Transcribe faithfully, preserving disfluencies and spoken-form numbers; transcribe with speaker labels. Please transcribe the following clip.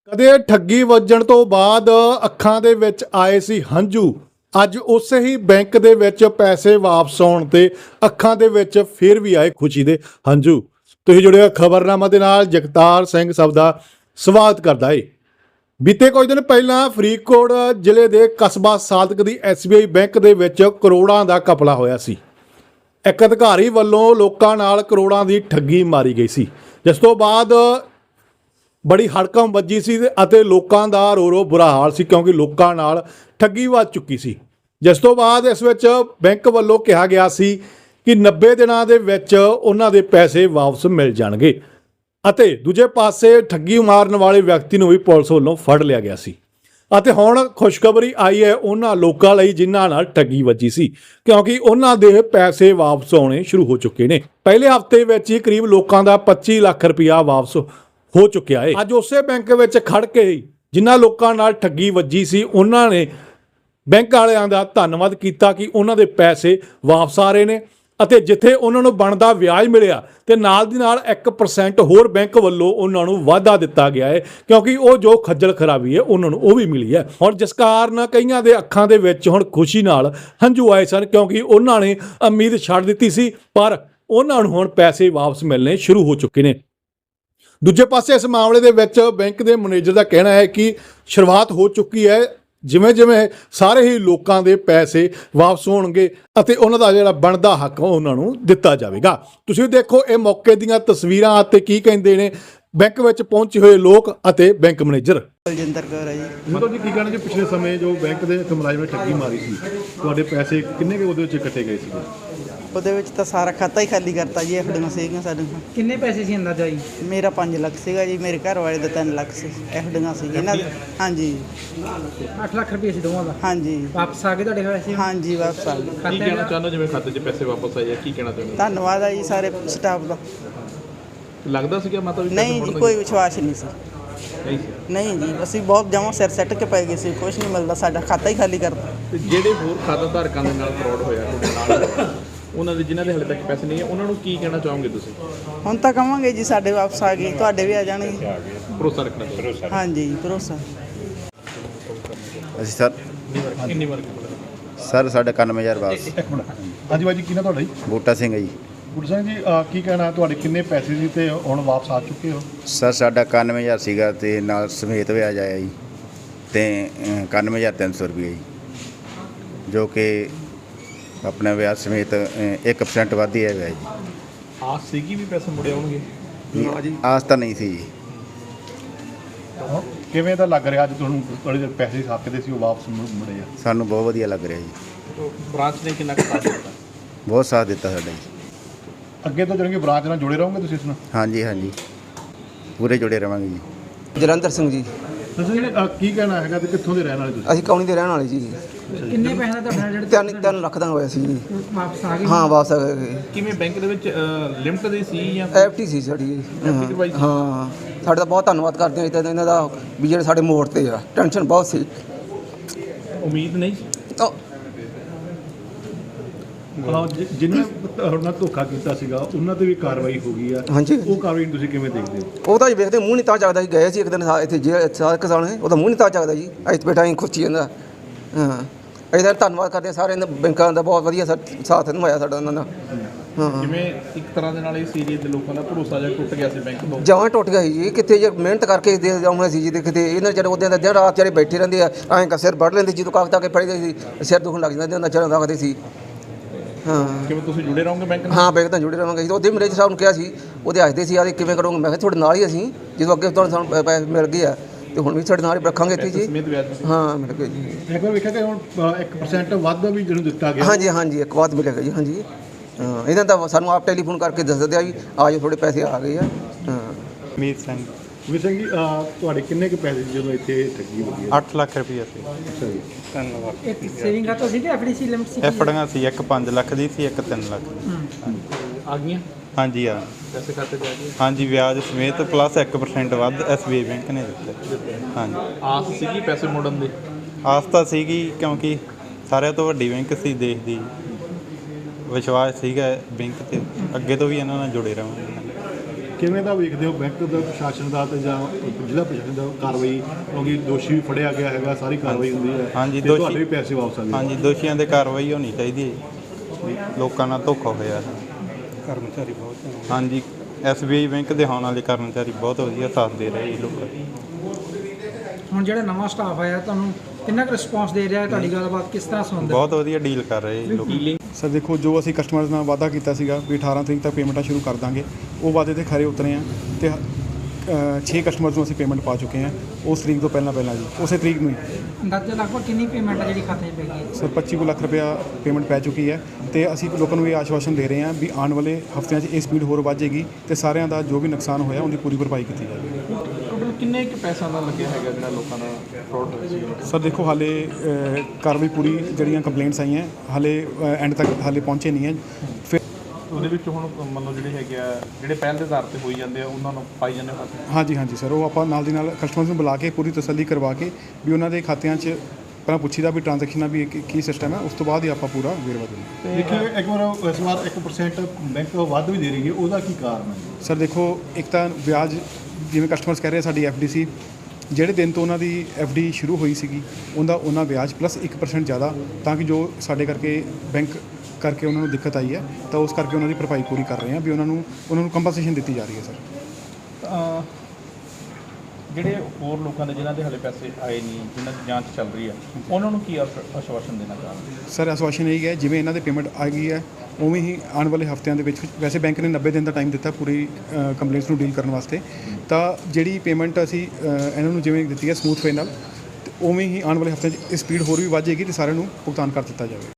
Speaker 1: ਕਦੇ ਠੱਗੀ ਵੱਜਣ ਤੋਂ ਬਾਅਦ ਅੱਖਾਂ ਦੇ ਵਿੱਚ ਆਏ ਸੀ ਹੰਝੂ। ਅੱਜ ਉਸੇ ਹੀ ਬੈਂਕ ਦੇ ਵਿੱਚ ਪੈਸੇ ਵਾਪਸ ਆਉਣ ਤੇ ਅੱਖਾਂ ਦੇ ਵਿੱਚ ਫਿਰ ਵੀ ਆਏ ਖੁਸ਼ੀ ਦੇ ਹੰਝੂ। ਤੁਸੀਂ ਜੁੜੇ ਹੋ ਖਬਰਨਾਮਾ ਦੇ ਨਾਲ। ਜਗਤਾਰ ਸਿੰਘ ਸਭ ਦਾ ਸਵਾਗਤ ਕਰਦਾ ਏ। ਬੀਤੇ ਕੁਝ ਦਿਨ ਪਹਿਲਾਂ ਫਰੀਦਕੋਟ ਜ਼ਿਲ੍ਹੇ ਦੇ ਕਸਬਾ ਸਾਦਕ ਦੀ ਐਸ ਬੀ ਆਈ ਬੈਂਕ ਦੇ ਵਿੱਚ ਕਰੋੜਾਂ ਦਾ ਘਪਲਾ ਹੋਇਆ ਸੀ। ਇੱਕ ਅਧਿਕਾਰੀ ਵੱਲੋਂ ਲੋਕਾਂ ਨਾਲ ਕਰੋੜਾਂ ਦੀ ਠੱਗੀ ਮਾਰੀ ਗਈ ਸੀ, ਜਿਸ ਤੋਂ ਬਾਅਦ ਬੜੀ ਹੜਕੰਪ ਵੱਜੀ ਸੀ ਅਤੇ ਲੋਕਾਂ ਦਾ ਰੋ ਰੋ ਬੁਰਾ ਹਾਲ ਸੀ, ਕਿਉਂਕਿ ਲੋਕਾਂ ਨਾਲ ਠੱਗੀ ਵੱਜ ਚੁੱਕੀ ਸੀ। ਜਿਸ ਤੋਂ ਬਾਅਦ ਇਸ ਵਿੱਚ ਬੈਂਕ ਵੱਲੋਂ ਕਿਹਾ ਗਿਆ ਸੀ ਕਿ ਨੱਬੇ ਦਿਨਾਂ ਦੇ ਵਿੱਚ ਉਹਨਾਂ ਦੇ ਪੈਸੇ ਵਾਪਸ ਮਿਲ ਜਾਣਗੇ ਅਤੇ ਦੂਜੇ ਪਾਸੇ ਠੱਗੀ ਮਾਰਨ ਵਾਲੇ ਵਿਅਕਤੀ ਨੂੰ ਵੀ ਪੁਲਿਸ ਵੱਲੋਂ ਫੜ ਲਿਆ ਗਿਆ ਸੀ। ਅਤੇ ਹੁਣ ਖੁਸ਼ਖਬਰੀ ਆਈ ਹੈ ਉਹਨਾਂ ਲੋਕਾਂ ਲਈ ਜਿਨ੍ਹਾਂ ਨਾਲ ਠੱਗੀ ਵੱਜੀ ਸੀ, ਕਿਉਂਕਿ ਉਹਨਾਂ ਦੇ ਪੈਸੇ ਵਾਪਸ ਆਉਣੇ ਸ਼ੁਰੂ ਹੋ ਚੁੱਕੇ ਨੇ। ਪਹਿਲੇ ਹਫ਼ਤੇ ਵਿੱਚ ਹੀ ਕਰੀਬ ਲੋਕਾਂ ਦਾ ਪੱਚੀ ਲੱਖ ਰੁਪਇਆ ਵਾਪਸ ਹੋ ਚੁੱਕਿਆ ਹੈ। ਅੱਜ ਉਸੇ ਬੈਂਕ ਵਿੱਚ ਖੜ ਕੇ ਜਿਨ੍ਹਾਂ ਲੋਕਾਂ ਨਾਲ ਠੱਗੀ ਵੱਜੀ ਸੀ ਉਹਨਾਂ ਨੇ ਬੈਂਕ ਵਾਲਿਆਂ ਦਾ ਧੰਨਵਾਦ ਕੀਤਾ ਕਿ ਉਹਨਾਂ ਦੇ ਪੈਸੇ ਵਾਪਸ ਆ ਰਹੇ ਨੇ ਅਤੇ ਜਿੱਥੇ ਉਹਨਾਂ ਨੂੰ ਬਣਦਾ ਵਿਆਜ ਮਿਲਿਆ ਤੇ ਨਾਲ ਦੀ ਨਾਲ ਇੱਕ ਪਰਸੈਂਟ ਹੋਰ ਬੈਂਕ ਵੱਲੋਂ ਉਹਨਾਂ ਨੂੰ ਵਾਧਾ ਦਿੱਤਾ ਗਿਆ ਹੈ, ਕਿਉਂਕਿ ਉਹ ਜੋ ਖੱਜਲ ਖਰਾਬੀ ਹੈ ਉਹਨਾਂ ਨੂੰ ਉਹ ਵੀ ਮਿਲੀ ਹੈ। ਹੁਣ ਜਿਸ ਕਾਰਨ ਕਈਆਂ ਦੇ ਅੱਖਾਂ ਦੇ ਵਿੱਚ ਹੁਣ ਖੁਸ਼ੀ ਨਾਲ ਹੰਝੂ ਆਏ ਸਨ, ਕਿਉਂਕਿ ਉਹਨਾਂ ਨੇ ਉਮੀਦ ਛੱਡ ਦਿੱਤੀ ਸੀ, ਪਰ ਉਹਨਾਂ ਨੂੰ ਹੁਣ ਪੈਸੇ ਵਾਪਸ ਮਿਲਣੇ ਸ਼ੁਰੂ ਹੋ ਚੁੱਕੇ ਨੇ। ਦੂਜੇ ਪਾਸੇ ਇਸ ਮਾਮਲੇ ਦੇ ਵਿੱਚ ਬੈਂਕ ਦੇ ਮੈਨੇਜਰ ਦਾ ਕਹਿਣਾ ਹੈ ਕਿ ਸ਼ੁਰੂਆਤ ਹੋ ਚੁੱਕੀ ਹੈ, ਜਿਵੇਂ ਜਿਵੇਂ ਸਾਰੇ ਹੀ ਲੋਕਾਂ ਦੇ ਪੈਸੇ ਵਾਪਸ ਹੋਣਗੇ ਅਤੇ ਉਹਨਾਂ ਦਾ ਜਿਹੜਾ ਬਣਦਾ ਹੱਕ ਉਹਨਾਂ ਨੂੰ ਦਿੱਤਾ ਜਾਵੇਗਾ। ਤੁਸੀਂ ਦੇਖੋ ਇਹ ਮੌਕੇ ਦੀਆਂ ਤਸਵੀਰਾਂ ਅਤੇ ਕੀ ਕਹਿੰਦੇ ਨੇ ਬੈਂਕ ਵਿੱਚ ਪਹੁੰਚੇ ਹੋਏ ਲੋਕ ਅਤੇ ਬੈਂਕ ਮੈਨੇਜਰ।
Speaker 2: ਬਲਜਿੰਦਰ ਕੌਰ ਹੈ ਜੀ।
Speaker 1: ਮਤਲਬ ਜੀ ਕੀ ਕਹਿਣਾ ਜੀ, ਪਿਛਲੇ ਸਮੇਂ ਜੋ ਬੈਂਕ ਦੇ ਇੱਕ ਮੁਲਾਜ਼ਮ ਨੇ ਠੱਗੀ ਮਾਰੀ ਸੀ, ਤੁਹਾਡੇ ਪੈਸੇ ਕਿੰਨੇ ਕੁ ਉਹਦੇ ਵਿੱਚ ਕੱਟੇ ਗਏ ਸੀਗੇ?
Speaker 2: ਉਹਦੇ ਵਿੱਚ ਤਾਂ ਸਾਰਾ ਖਾਤਾ ਹੀ ਖਾਲੀ ਕਰਤਾ ਜੀ। ਐਫਡੀਆਂ ਸੀਗੀਆਂ ਸਾਡੇ ਕੋਲ।
Speaker 3: ਕਿੰਨੇ ਪੈਸੇ ਸੀ ਅੰਦਾਜ਼ਾ ਜੀ?
Speaker 2: ਮੇਰਾ ਪੰਜ ਲੱਖ ਸੀਗਾ ਜੀ, ਮੇਰੇ ਘਰ ਵਾਲੇ ਦਾ ਤਿੰਨ ਲੱਖ ਸੀ। ਐਫਡੀਆਂ ਸੀ ਇਹਨਾਂ ਦੇ। ਹਾਂਜੀ
Speaker 3: ਅੱਠ ਲੱਖ ਰੁਪਏ ਸੀ ਦੋਵਾਂ ਦਾ।
Speaker 2: ਹਾਂਜੀ
Speaker 3: ਵਾਪਸ ਆ ਗਏ ਤੁਹਾਡੇ ਪੈਸੇ?
Speaker 2: ਹਾਂਜੀ ਵਾਪਸ ਆ ਗਏ।
Speaker 4: ਕੀ ਕਹਿਣਾ ਚਾਹੁੰਦੇ ਜਿਵੇਂ ਖਾਤੇ 'ਚ ਪੈਸੇ ਵਾਪਸ ਆਏ ਆ, ਕੀ ਕਹਿਣਾ ਚਾਹੁੰਦੇ?
Speaker 2: ਧੰਨਵਾਦ ਆ ਜੀ ਸਾਰੇ ਸਟਾਫ ਦਾ।
Speaker 4: ਲੱਗਦਾ ਸੀਗਾ ਮਾਤਾ ਵੀ
Speaker 2: ਨਹੀਂ ਜੀ, ਕੋਈ ਵਿਸ਼ਵਾਸ ਨਹੀਂ ਸੀ।
Speaker 4: ਨਹੀਂ ਸੀ।
Speaker 2: ਨਹੀਂ ਜੀ, ਅਸੀਂ ਬਹੁਤ ਜਮਾਂ ਸਿਰ ਸੱਟ ਕੇ ਪੈ ਗਏ ਸੀ, ਕੁਛ ਨਹੀਂ ਮਿਲਦਾ, ਸਾਡਾ ਖਾਤਾ ਹੀ ਖਾਲੀ ਕਰਤਾ।
Speaker 4: ਤੇ ਜਿਹੜੇ ਹੋਰ ਖਾਤਾ ਧਾਰਕਾਂ ਦੇ ਨਾਲ ਫਰਾਡ ਹੋਇਆ ਤੁਹਾਡੇ ਨਾਲ, ਉਹਨਾਂ ਦੇ ਜਿਨ੍ਹਾਂ ਦੇ ਹਾਲੇ ਤੱਕ ਪੈਸੇ ਨਹੀਂ ਹੈ, ਉਹਨਾਂ ਨੂੰ ਕੀ ਕਹਿਣਾ ਚਾਹੋਗੇ ਤੁਸੀਂ?
Speaker 2: ਹੁਣ ਤਾਂ ਕਵਾਂਗੇ ਜੀ ਸਾਡੇ ਵਾਪਸ ਆ ਗਏ, ਤੁਹਾਡੇ ਵੀ ਆ ਜਾਣਗੇ।
Speaker 4: ਭਰੋਸਾ ਰੱਖਣਾ ਚਾਹੀਦਾ।
Speaker 2: ਹਾਂਜੀ ਭਰੋਸਾ।
Speaker 5: ਅਸੀਂ ਸਰ
Speaker 4: ਕਿੰਨੀ ਵਾਰ
Speaker 5: ਸਰ ਸਾਡਾ ਇਕਾਨਵੇਂ ਹਜ਼ਾਰ ਬਸ।
Speaker 1: ਇੱਕ ਮਿੰਟ। ਹਾਂਜੀ ਬਾਈ ਜੀ, ਕੀ ਨਾ ਤੁਹਾਡਾ ਜੀ?
Speaker 5: ਬੂਟਾ ਸਿੰਘ ਹੈ ਜੀ।
Speaker 1: ਗੁਰੂ ਸਿੰਘ ਜੀ, ਅਹ ਕੀ ਕਹਿਣਾ, ਤੁਹਾਡੇ ਕਿੰਨੇ ਪੈਸੇ ਸੀ ਤੇ ਹੁਣ ਵਾਪਸ ਆ ਚੁੱਕੇ ਹੋ?
Speaker 5: ਸਰ ਸਾਡਾ ਇਕਾਨਵੇਂ ਹਜ਼ਾਰ ਸੀਗਾ ਤੇ ਨਾਲ ਸਮੇਤ ਵਿਆਜ ਆਇਆ ਜੀ, ਤੇ ਅ, ਇਕਾਨਵੇਂ ਹਜ਼ਾਰ ਤਿੰਨ ਸੌ ਰੁਪਏ ਜੀ, ਜੋ ਕਿ ਆਪਣਾ ਵਿਆਜ ਸਮੇਤ ਇੱਕ ਪਰਸੈਂਟ ਵੱਧ ਹੀ ਹੈ ਵਿਆਜ ਜੀ।
Speaker 4: ਆਸ ਸੀਗੀ ਵੀ ਪੈਸੇ ਮੁੜੇ ਆਉਣਗੇ?
Speaker 5: ਜੀ ਆਸ ਤਾਂ ਨਹੀਂ ਸੀ ਜੀ।
Speaker 1: ਕਿਵੇਂ ਦਾ ਲੱਗ ਰਿਹਾ ਅੱਜ ਤੁਹਾਨੂੰ, ਤੁਹਾਡੇ ਜਿਹੜੇ ਪੈਸੇ ਹੱਕ ਦੇ ਸੀ ਉਹ ਵਾਪਸ ਮੁੜ- ਮੁੜੇ ਆ?
Speaker 5: ਸਾਨੂੰ ਬਹੁਤ ਵਧੀਆ ਲੱਗ ਰਿਹਾ ਜੀ।
Speaker 4: ਬ੍ਰਾਂਚ ਨੇ ਕਿੰਨਾ ਕੁ ਸਾਥ ਦਿੱਤਾ?
Speaker 5: ਬਹੁਤ ਸਾਥ ਦਿੱਤਾ ਸਾਡਾ ਜੀ।
Speaker 1: ਅੱਗੇ ਤੋਂ ਜਾਣੀ ਕਿ ਬ੍ਰਾਂਚ ਨਾਲ ਜੁੜੇ ਰਹੋਗੇ ਤੁਸੀਂ ਇਸ ਨਾਲ?
Speaker 5: ਹਾਂਜੀ ਹਾਂਜੀ ਪੂਰੇ ਜੁੜੇ ਰਵਾਂਗੇ ਜੀ।
Speaker 6: ਜਲੰਧਰ ਸਿੰਘ ਜੀ।
Speaker 1: ਤੁਸੀਂ ਅਹ ਕੀ ਕਹਿਣਾ ਹੈਗਾ ਤੇ ਕਿੱਥੋਂ ਦੇ ਰਹਿਣ ਵਾਲੇ ਤੁਸੀਂ?
Speaker 6: ਅਸੀਂ ਕੌਣੀ ਦੇ ਰਹਿਣ ਵਾਲੇ ਜੀ।
Speaker 3: ਕਿੰਨੇ ਪੈਸੇ ਦਾ ਤੁਹਾਡਾ ਜਿਹੜਾ
Speaker 6: ਤਿੰਨ ਤਿੰਨ ਲੱਖ ਦਾ ਹੋਇਆ ਸੀ ਜੀ।
Speaker 3: ਵਾਪਸ ਆ ਗਏ?
Speaker 6: ਹਾਂ ਵਾਪਸ ਆ ਗਏ।
Speaker 4: ਕਿਵੇਂ ਬੈਂਕ ਦੇ ਵਿੱਚ ਲਿਮਟ ਦੀ ਸੀ ਜਾਂ
Speaker 6: ਐਫ ਟੀ ਸੀ ਸਾਡੀ।
Speaker 4: FT ਕਰਵਾਈ ਸੀ?
Speaker 6: ਹਾਂ ਸਾਡਾ ਤਾਂ ਬਹੁਤ ਧੰਨਵਾਦ ਕਰਦੇ ਹਾਂ ਜੀ ਇਹਨਾਂ ਦਾ ਵੀ ਜਿਹੜੇ ਸਾਡੇ ਮੋੜ ਤੇ ਆ। ਟੈਨਸ਼ਨ ਬਹੁਤ ਸੀ।
Speaker 4: ਉਮੀਦ ਨਹੀਂ ਸੀ?
Speaker 6: ਤਾਂ
Speaker 1: ਹਾਂ, ਜਿ- ਜਿਹਨੇ ਤੁਹਾਡੇ ਨਾਲ ਧੋਖਾ ਕੀਤਾ ਸੀਗਾ ਉਹਨਾਂ ਤੇ ਵੀ ਕਾਰਵਾਈ ਹੋ ਗਈ ਆ।
Speaker 6: ਹਾਂਜੀ
Speaker 1: ਉਹ ਕਾਰਵਾਈ ਨੂੰ ਤੁਸੀਂ ਕਿਵੇਂ ਦੇਖਦੇ ਹੋ?
Speaker 6: ਉਹ ਤਾਂ ਜੀ ਵੇਖਦੇ ਮੂੰਹ ਨਹੀਂ ਤਾਂ ਚੱਕਦਾ ਸੀ। ਗਏ ਸੀ ਇੱਕ ਦਿਨ ਸਾ- ਇੱਥੇ ਜੇਲ੍ਹ ਸਾਰ ਕਿਸਾਨ ਨੇ, ਉਹਦਾ ਮੂੰਹ ਨਹੀਂ ਤਾਂ ਚੱਕਦਾ ਜੀ। ਅੱਜ ਬੇਟਾ ਹੀ ਖੁਸ਼ੀ ਜਾਂਦਾ। ਹਾਂ ਇਹਦਾ ਧੰਨਵਾਦ ਕਰਦੇ ਹਾਂ ਸਾਰੇ ਇਹਨਾਂ ਬੈਂਕਾਂ ਦਾ, ਬਹੁਤ ਵਧੀਆ ਸਾ- ਸਾਥ ਨਿਭਾਇਆ ਸਾਡਾ ਉਹਨਾਂ ਦਾ। ਹਾਂ
Speaker 4: ਜਿਵੇਂ ਇੱਕ ਤਰ੍ਹਾਂ ਦੇ ਨਾਲ ਇਹ ਸੀਰੀਜ਼ ਦੇ ਲੋਕਾਂ ਦਾ ਭਰੋਸਾ ਜਿਹਾ ਟੁੱਟ ਗਿਆ ਸੀ ਬੈਂਕ ਤੋਂ।
Speaker 6: ਜਮਾਂ ਟੁੱਟ ਗਿਆ ਸੀ ਜੀ। ਕਿੱਥੇ ਜੇ ਮਿਹਨਤ ਕਰਕੇ ਦੇ ਆਉਣਾ ਸੀ ਜੀ, ਤੇ ਕਿਤੇ ਇਹਨਾਂ ਜਿਹੜੇ ਉਹਦੇ ਦਾ ਦਿਨ ਰਾਤ ਜਿਹੜੇ ਬੈਠੇ ਰਹਿੰਦੇ ਆ, ਐਂ ਕਾ ਸਿਰ ਵੱਢ ਲੈਂਦੇ, ਜਦੋਂ ਕਾਗਜ਼ ਕੇ ਫੜਦੇ ਸੀ ਸਿਰ ਦੁਖਣ ਲੱਗ ਜਾਂਦਾ, ਉਹਨਾਂ ਚੜ੍ਹ ਰੱਖਦੇ ਸੀ। ਹਾਂ
Speaker 4: ਕਿਵੇਂ ਤੁਸੀਂ ਜੁੜੇ ਰਹੋਗੇ ਬੈਂਕ ਨਾਲ?
Speaker 6: ਹਾਂ ਬੈਂਕ ਤਾਂ ਜੁੜੇ ਰਹਾਂਗੇ ਜੀ। ਉਹਦੇ ਮੈਨੇਜਰ ਸਾਹਿਬ ਨੂੰ ਕਿਹਾ ਸੀ, ਉਹਦੇ ਆਖਦੇ ਸੀ ਯਾਰ ਕਿਵੇਂ ਕਰੋਗੇ? ਮੈਂ ਕਿਹਾ ਤੁਹਾਡੇ ਨਾਲ ਹੀ ਅਸੀਂ, ਜਦੋਂ ਅੱਗੇ ਤੁਹਾਨੂੰ ਸਾਨੂੰ ਪੈ- ਪੈਸੇ ਮਿਲ ਗਏ ਆ ਤੇ ਹੁਣ ਵੀ ਤੁਹਾਡੇ ਨਾਲ ਹੀ ਰੱਖਾਂਗੇ ਇੱਥੇ
Speaker 4: ਪੈਸੇ
Speaker 6: ਜੀ।
Speaker 4: ਸਮੇਤ ਵਿਆਜ ਸੀ?
Speaker 6: ਹਾਂ ਮਿਲ ਗਏ ਜੀ।
Speaker 1: ਇੱਕ ਵਾਰ ਵੇਖਿਆ ਕਿ ਹੁਣ ਇੱਕ ਪਰਸੈਂਟ ਵੱਧ ਵੀ ਜਿਹਨੂੰ ਦਿੱਤਾ ਗਿਆ।
Speaker 6: ਹਾਂਜੀ ਹਾਂਜੀ ਇੱਕ ਵਾਰ ਮਿਲੇਗਾ ਜੀ। ਹਾਂਜੀ ਹਾਂ ਇਹਨਾਂ ਦਾ ਸਾਨੂੰ ਆਪ ਟੈਲੀਫੋਨ ਕਰਕੇ ਦੱਸ ਦਿਆ ਵੀ ਆ ਜਾਓ, ਥੋੜੇ ਪੈਸੇ ਆ ਗਏ ਆ। ਹਾਂ
Speaker 7: ਮੀਰ ਸਿੰਘ
Speaker 1: ਗੁਰੂ ਸਿੰਘ ਜੀ, ਅਹ ਤੁਹਾਡੇ ਕਿੰਨੇ ਕੁ ਪੈਸੇ ਸੀ ਜਦੋਂ ਇੱਥੇ ਠੱਗੀ ਹੋਈ ਹੈ?
Speaker 7: ਅੱਠ ਲੱਖ ਰੁਪਏ ਸੀ।
Speaker 1: ਅੱਛਾ ਜੀ।
Speaker 7: ਧੰਨਵਾਦ।
Speaker 3: ਇੱਕ ਸੇਵਿੰਗ ਖਾਤਾ ਸੀ ਤੇ ਐਫ ਡੀ ਸੀ ਲਿਮਟ ਸੀ?
Speaker 7: ਐਫੜੀਆਂ ਸੀ, ਇੱਕ ਪੰਜ ਲੱਖ ਦੀ ਸੀ, ਇੱਕ ਤਿੰਨ ਲੱਖ ਦੀ।
Speaker 3: ਹੂੰ।
Speaker 4: ਆ ਗਈਆਂ
Speaker 7: ਹਾਂਜੀ ਆ
Speaker 4: ਪੈਸੇ ਖਾਤੇ 'ਚ ਆ ਗਏ?
Speaker 7: ਹਾਂਜੀ ਵਿਆਜ ਸਮੇਤ ਪਲੱਸ ਇੱਕ ਪਰਸੈਂਟ ਵੱਧ ਐਸ ਬੀ ਆਈ ਬੈਂਕ ਨੇ ਦਿੱਤਾ। ਹਾਂਜੀ
Speaker 4: ਆਸ ਸੀਗੀ ਪੈਸੇ ਮੁੜਨ ਦੀ?
Speaker 7: ਆਸ ਤਾਂ ਸੀਗੀ, ਕਿਉਂਕਿ ਸਾਰਿਆਂ ਤੋਂ ਵੱਡੀ ਬੈਂਕ ਸੀ ਦੇਸ਼ ਦੀ। ਵਿਸ਼ਵਾਸ ਸੀਗਾ ਬੈਂਕ 'ਤੇ, ਅੱਗੇ ਤੋਂ ਵੀ ਇਹਨਾਂ ਨਾਲ ਜੁੜੇ ਰਹਾਂਗੇ।
Speaker 1: ਕਿਵੇਂ ਦਾ ਵੇਖਦੇ ਹੋ ਬੈਂਕ ਦਾ ਪ੍ਰਸ਼ਾਸਨ ਦਾ ਤੇ ਜਾਂ ਜ਼ਿਲ੍ਹਾ ਪ੍ਰਸ਼ਾਸਨ ਦਾ ਕਾਰਵਾਈ, ਕਿਉਂਕਿ ਦੋਸ਼ੀ ਵੀ ਫੜਿਆ ਗਿਆ ਹੈਗਾ, ਸਾਰੀ ਕਾਰਵਾਈ ਹੁੰਦੀ ਹੈ
Speaker 7: ਹਾਂਜੀ,
Speaker 1: ਤੇ
Speaker 7: ਦੋਸ਼ੀ-
Speaker 1: ਤੁਹਾਡੇ ਵੀ ਪੈਸੇ ਵਾਪਸ ਆ ਗਏ।
Speaker 7: ਹਾਂਜੀ, ਦੋਸ਼ੀਆਂ ਦੇ ਕਾਰਵਾਈ ਹੋਣੀ ਚਾਹੀਦੀ ਹੈ। ਲੋਕਾਂ ਨਾਲ ਧੋਖਾ ਹੋਇਆ ਕਰਮਚਾਰੀ ਬਹੁਤ ਹਾਂਜੀ ਐਸ ਬੀ ਆਈ ਬੈਂਕ ਦੇ ਆਉਣ ਵਾਲੇ ਕਰਮਚਾਰੀ ਬਹੁਤ ਵਧੀਆ ਸਾਥ ਦੇ ਰਹੇ ਜੀ ਲੋਕਾਂ ਦੀ।
Speaker 3: ਹੁਣ ਜਿਹੜਾ ਨਵਾਂ ਸਟਾਫ ਆਇਆ ਤੁਹਾਨੂੰ ਕਿੰਨਾ ਕੁ ਰਿਸਪੌਂਸ ਦੇ ਰਿਹਾ ਹੈ, ਤੁਹਾਡੀ ਗੱਲਬਾਤ ਕਿਸ ਤਰ੍ਹਾਂ ਸੁਣਦੇ
Speaker 7: ਬਹੁਤ ਵਧੀਆ ਡੀਲ ਕਰ ਰਹੇ ਜੀ ਲੋਕ।
Speaker 8: ਸਰ ਦੇਖੋ, ਜੋ ਅਸੀਂ ਕਸਟਮਰਸ ਨਾਲ ਵਾਅਦਾ ਕੀਤਾ ਸੀਗਾ ਵੀ ਅਠਾਰਾਂ ਤਰੀਕ ਤੱਕ ਪੇਮੈਂਟਾਂ ਸ਼ੁਰੂ ਕਰ ਦਾਂਗੇ, ਉਹ ਵਾਅਦੇ ਤੇ ਖਰੇ ਉਤਰੇ ਆ ਤੇ ਛੇ ਕਸਟਮਰਸ ਨੂੰ ਅਸੀਂ ਪੇਮੈਂਟ ਪਾ ਚੁੱਕੇ ਹਾਂ ਉਸ ਤਰੀਕ ਤੋਂ ਪਹਿਲਾਂ ਪਹਿਲਾਂ ਜੀ, ਉਸੇ ਤਰੀਕ ਨੂੰ ਹੀ।
Speaker 3: ਅੰਦਾਜ਼ਾ ਲਗਭਗ ਕਿੰਨੀ ਪੇਮੈਂਟ ਹੈ ਜਿਹੜੀ ਖਾਤੇ 'ਚ ਪੈ ਗਈ ਹੈ?
Speaker 8: ਸਰ ਪੱਚੀ ਕੁ ਲੱਖ ਰੁਪਇਆ ਪੇਮੈਂਟ ਪੈ ਚੁੱਕੀ ਹੈ ਤੇ ਅਸੀਂ ਲੋਕਾਂ ਨੂੰ ਇਹ ਆਸ਼ਵਾਸਨ ਦੇ ਰਹੇ ਹਾਂ ਵੀ ਆਉਣ ਵਾਲੇ ਹਫ਼ਤਿਆਂ 'ਚ ਇਹ ਸਪੀਡ ਹੋਰ ਵੱਧ ਜਾਏਗੀ ਤੇ ਸਾਰਿਆਂ ਦਾ ਜੋ ਵੀ ਨੁਕਸਾਨ ਹੋਇਆ ਉਹਦੀ ਪੂਰੀ ਭਰਪਾਈ ਕੀਤੀ ਜਾਵੇਗੀ।
Speaker 4: ਟੋਟਲ ਕਿੰਨੇ ਕੁ ਪੈਸਿਆਂ ਦਾ ਲੱਗਿਆ ਹੈਗਾ ਜਿਹੜਾ ਲੋਕਾਂ ਦਾ ਫਰਾਡ ਹੋਇਆ ਸੀ?
Speaker 8: ਸਰ ਦੇਖੋ, ਹਾਲੇ ਅ, ਕਾਰਵਾਈ ਪੂਰੀ ਜਿਹੜੀਆਂ ਕੰਪਲੇਂਟਸ ਆਈਆਂ ਹਾਲੇ ਐਂਡ ਤੱਕ ਹਾਲੇ ਪਹੁੰਚੇ ਨਹੀਂ ਹੈ। ਫਿਰ
Speaker 4: ਉਹਦੇ ਵਿੱਚ ਹੁਣ ਮੰਨ ਲਓ ਜਿਹੜੇ ਹੈਗੇ ਆ ਜਿਹੜੇ ਪਹਿਲ ਦੇ ਆਧਾਰ ਤੇ ਹੋਈ ਜਾਂਦੇ ਆ ਉਹਨਾਂ ਨੂੰ ਪਾਈ ਜਾਂਦੇ ਖਾਤੇ?
Speaker 8: ਹਾਂਜੀ ਹਾਂਜੀ ਸਰ, ਉਹ ਆਪਾਂ ਨਾਲ ਦੀ ਨਾਲ ਕਸਟਮਰਸ ਨੂੰ ਬੁਲਾ ਕੇ ਪੂਰੀ ਤਸੱਲੀ ਕਰਵਾ ਕੇ ਵੀ ਉਹਨਾਂ ਦੇ ਖਾਤਿਆਂ 'ਚ ਪਹਿਲਾਂ ਪੁੱਛੀਦਾ ਵੀ ਟ੍ਰਾਂਜੈਕਸ਼ਨਾਂ ਵੀ ਕੀ- ਕੀ ਸਿਸਟਮ ਹੈ, ਉਸ ਤੋਂ ਬਾਅਦ ਹੀ ਆਪਾਂ ਪੂਰਾ ਵੇਰਵਾ ਦਿੰਦੇ
Speaker 1: ਦੇਖੀਏ ਇੱਕ ਵਾਰ ਇਸ ਵਾਰ ਇੱਕ ਪਰਸੈਂਟ ਬੈਂਕ ਵੱਧ ਵੀ ਦੇ ਰਹੀ ਹੈ, ਉਹਦਾ ਕੀ ਕਾਰਨ ਹੈ?
Speaker 8: ਸਰ ਦੇਖੋ, ਇੱਕ ਤਾਂ ਵਿਆਜ ਜਿਵੇਂ ਕਸਟਮਰਸ ਕਹਿ ਰਹੇ ਸਾਡੀ ਐਫ ਡੀ ਸੀ ਜਿਹੜੇ ਦਿਨ ਤੋਂ ਉਹਨਾਂ ਦੀ ਐਫ ਡੀ ਸ਼ੁਰੂ ਹੋਈ ਸੀਗੀ ਉਹਦਾ ਉਹਨਾਂ ਵਿਆਜ ਪਲੱਸ ਇੱਕ ਪਰਸੈਂਟ ਜ਼ਿਆਦਾ, ਤਾਂ ਕਿ ਜੋ ਸਾਡੇ ਕਰਕੇ ਬੈਂਕ ਕਰਕੇ ਉਹਨਾਂ ਨੂੰ ਦਿੱਕਤ ਆਈ ਹੈ ਤਾਂ ਉਸ ਕਰਕੇ ਉਹਨਾਂ ਦੀ ਭਰਪਾਈ ਪੂਰੀ ਕਰ ਰਹੇ ਹਾਂ ਵੀ ਉਹਨਾਂ ਨੂੰ ਉਹਨਾਂ ਨੂੰ ਕੰਪਨਸੇਸ਼ਨ ਦਿੱਤੀ ਜਾ ਰਹੀ ਹੈ। ਸਰ
Speaker 4: ਅਹ ਜਿਹੜੇ ਹੋਰ ਲੋਕਾਂ ਦੇ ਜਿਨ੍ਹਾਂ ਦੇ ਹਲੇ ਪੈਸੇ ਆਏ ਨਹੀਂ, ਜਿਨ੍ਹਾਂ ਦੀ ਜਾਂਚ ਚੱਲ ਰਹੀ ਹੈ, ਉਹਨਾਂ ਨੂੰ ਕੀ ਆਸ਼- ਆਸ਼ਵਾਸਨ ਦੇਣਾ ਚਾਹੁੰਦੇ?
Speaker 8: ਸਰ ਆਸ਼ਵਾਸਨ ਇਹ ਹੈ ਜਿਵੇਂ ਇਹਨਾਂ ਦੇ ਪੇਮੈਂਟ ਆ ਗਈ ਹੈ ਉਵੇਂ ਹੀ ਆਉਣ ਵਾਲੇ ਹਫ਼ਤਿਆਂ ਦੇ ਵਿੱਚ, ਵੈਸੇ ਬੈਂਕ ਨੇ ਨੱਬੇ ਦਿਨ ਦਾ ਟਾਈਮ ਦਿੱਤਾ ਪੂਰੀ ਕੰਪਲੇਂਟਸ ਨੂੰ ਡੀਲ ਕਰਨ ਵਾਸਤੇ, ਤਾਂ ਜਿਹੜੀ ਪੇਮੈਂਟ ਅਸੀਂ ਅ, ਇਹਨਾਂ ਨੂੰ ਜਿਵੇਂ ਦਿੱਤੀ ਹੈ ਸਮੂਥ ਵੇ ਨਾਲ, ਤੇ ਉਵੇਂ ਹੀ ਆਉਣ ਵਾਲੇ ਹਫ਼ਤਿਆਂ 'ਚ ਇਹ ਸਪੀਡ ਹੋਰ ਵੀ ਵੱਧ ਜਾਏਗੀ ਤੇ ਸਾਰਿਆਂ ਨੂੰ ਭੁਗਤਾਨ ਕਰ ਦਿੱਤਾ ਜਾਵੇਗਾ।